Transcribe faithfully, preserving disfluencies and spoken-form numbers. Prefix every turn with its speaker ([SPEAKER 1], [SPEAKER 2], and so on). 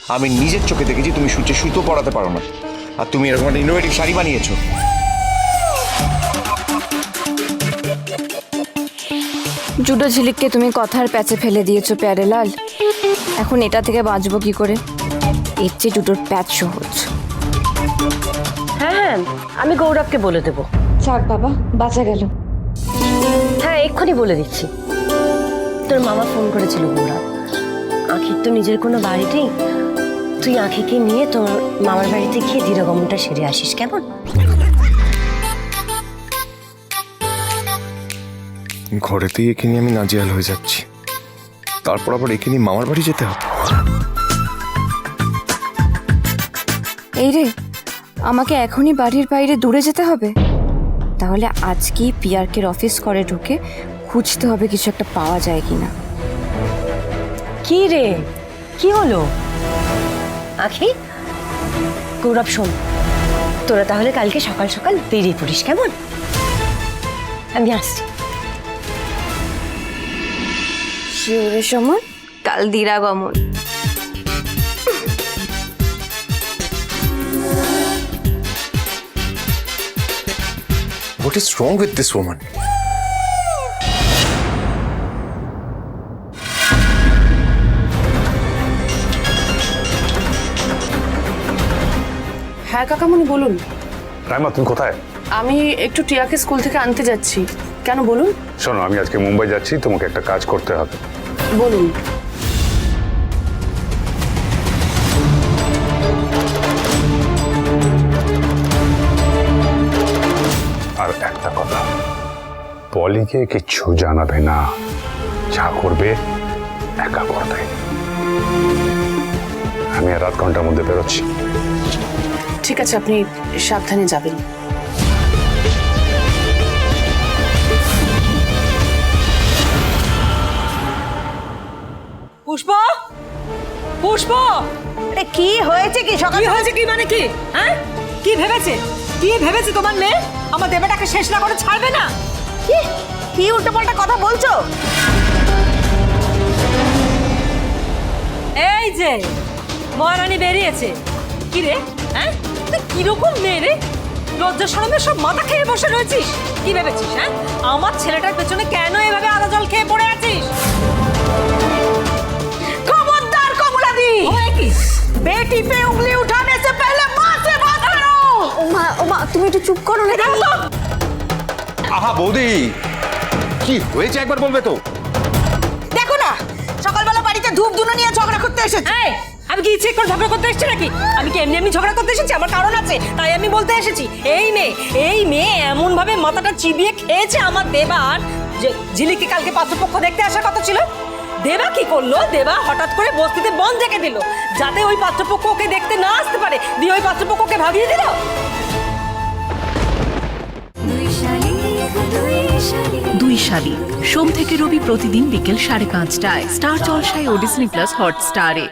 [SPEAKER 1] আমি নিজের চোখে দেখেছি তুমি সূর্যে সুতো পড়াতে পারো না, আর তুমি এরকম একটা ইনোভেটিভ শাড়ি বানিয়েছো।
[SPEAKER 2] জুডো ঝিলিককে তুমি কথার প্যাচে ফেলে দিয়েছো প্যারেলাল। এখন এটা থেকে বাঁচবো কি করে? এর চেয়ে জুডোর প্যাচ সহজ।
[SPEAKER 3] হ্যাঁ হ্যাঁ, আমি গৌরবকে বলে দেবো।
[SPEAKER 2] যাক বাবা, বাঁচা গেল।
[SPEAKER 3] হ্যাঁ, এক্ষুনি বলে দিচ্ছি। তোর মামা ফোন করেছিল গৌরব, আঁখির তো নিজের কোনো বাড়ি নেই, তুই আঁখিকে নিয়ে তোর মামার বাড়িতে গিয়ে দৃঢ়গমনটা সেরে আসিস, কেমন?
[SPEAKER 1] ঘরেতেই একে নিয়ে আমি নাজেহাল হয়ে যাচ্ছি, তারপর আবার একে নিয়ে মামার বাড়ি যেতে হবে।
[SPEAKER 2] এই রে, আমাকে এখনই বাড়ির বাইরে দূরে যেতে হবে? তাহলে আজকেই পিয়ারকের অফিস করে ঢুকে খুঁজতে হবে কিছু একটা পাওয়া যায় কিনা।
[SPEAKER 3] কি রে, কি হলো? আঁখি, গৌরব শোন, তোরা তাহলে কালকে সকাল সকাল বেরিয়ে পড়িস, কেমন? আমি আসছি।
[SPEAKER 2] শিওরে সমন, কাল দিরাগমন।
[SPEAKER 1] What is wrong with this woman?
[SPEAKER 4] হ্যাঁ কাকামণি বলুন।
[SPEAKER 5] রাইমা, তুমি কোথায়?
[SPEAKER 4] আমি একটু টিয়াকে স্কুল থেকে আনতে যাচ্ছি। কেন বলুন?
[SPEAKER 5] শোনো, আমি আজকে মুম্বাই যাচ্ছি, তোমাকে একটা কাজ করতে হবে।
[SPEAKER 4] বলুন।
[SPEAKER 5] আর একটা কথা, পলিকে কিচ্ছু জানাবে না, যা করবে একা করবে। আমি আর আধ ঘন্টার মধ্যে বেরোচ্ছি।
[SPEAKER 4] ঠিক আছে, আপনি সাবধানে যাবেন।
[SPEAKER 6] পুষ্প, পুষ্প,
[SPEAKER 7] আরে কি হয়েছে? কি সকাল
[SPEAKER 6] কি হয়েছে? কি মানে কি? হ্যাঁ, কি ভেবেছে? কি ভেবেছে তোমার মেয়ে? আমার দেবটাকে শেষ না করে ছাড়বে না?
[SPEAKER 7] কি কি উল্টোপাল্টা কথা বলছো?
[SPEAKER 6] এই যে মহারানী বেরিয়েছে। কি রে, হ্যাঁ, তুই কিরকম মেয়ে রে? লজ্জা শরমে সব মাথা খেয়ে বসে রয়েছিস। কি ভেবেছিস? হ্যাঁ, আমার ছেলেটার পেছনে কেন এভাবে আদা জল খেয়ে পড়ে আছিস?
[SPEAKER 7] খবরদার কমলাদি,
[SPEAKER 6] ওই কি?
[SPEAKER 7] বেটি पे उंगली उठाने से पहले मां से बात करो।
[SPEAKER 2] ওমা ওমা, তুমি একটু চুপ করো না।
[SPEAKER 8] আহা বৌদি, কি হয়েছে একবার বলবে তো?
[SPEAKER 7] দেখো না, সকালবেলা বাড়িতে ধূপ ধুনো নিয়ে ঝগড়া করতে এসেছে।
[SPEAKER 6] এই, আমি কি ইচ্ছে করে ঝগড়া করতে এসেছি নাকি? আমি কি এমনি এমনি ঝগড়া করতে এসেছি? আমার কারণ আছে, তাই আমি বলতে এসেছি। এই মেয়ে এই মেয়ে এমন ভাবে মাথাটা চিবিয়ে খেয়েছে আমার দেবার, যে ঝিলিকে কালকে পাত্রপক্ষ দেখতে আসার কথা ছিল। দেবা কি করলো? দেবা হঠাৎ করে বস্তিতে বন ডেকে দিল, যাতে ওই পাত্রপক্ষ ওকে দেখতে না আসতে পারে, দিয়ে ওই পাত্রপক্ষকে ভাগিয়ে দিল।
[SPEAKER 9] দুই শালিক, সোম থেকে রবি প্রতিদিন বিকেল সাড়ে পাঁচটায় স্টার জলসায় ও ডিজনি প্লাস হটস্টারে।